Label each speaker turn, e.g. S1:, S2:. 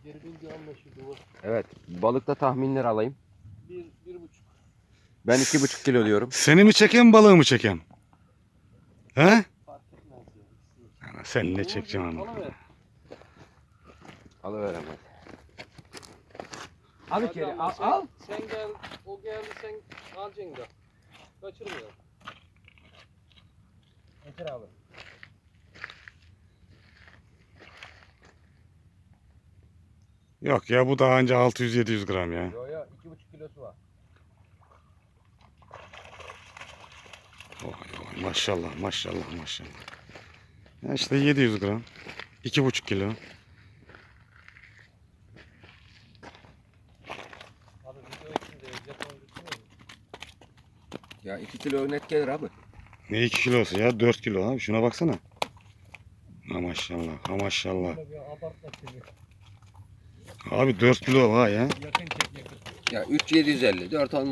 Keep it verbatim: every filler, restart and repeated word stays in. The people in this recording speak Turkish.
S1: Geri bilgi anlaşıldı bu.
S2: Evet. Balıkta tahminler alayım.
S1: Bir, bir buçuk.
S2: Ben iki buçuk kilo diyorum.
S3: Seni mi çekeyim balığı mı çekeyim? He?
S1: Fark etmez ya. İkisi de.
S3: Ana, sen ne
S1: Uğurcuğum,
S3: çekeceksin ama?
S1: alıver.
S2: Alıveremez. Al
S1: Hadi
S2: içeri.
S1: ama
S2: Al.
S1: sen,
S2: al.
S1: Sen gel, o geldi sen alacaksın da. Kaçırmayalım.
S2: Getir abi.
S3: Yok ya, bu daha önce altı yüz yedi yüz gram ya.
S2: Yo yo iki buçuk kilosu var.
S3: Oy, oy, maşallah maşallah maşallah. Ya işte yedi yüz gram. iki buçuk kilo.
S1: Abi video içinde Japon düşünüyor musun?
S2: Ya iki kilo net gelir abi.
S3: Ne iki kilosu ya? dört kilo abi. Şuna baksana. Ha maşallah. Ha maşallah.
S1: Böyle bir abartma seni.
S3: Abi dört kilo var ya.
S1: Yakın çek yakın.
S2: Ya üç yedi yüz elli dört olmaz.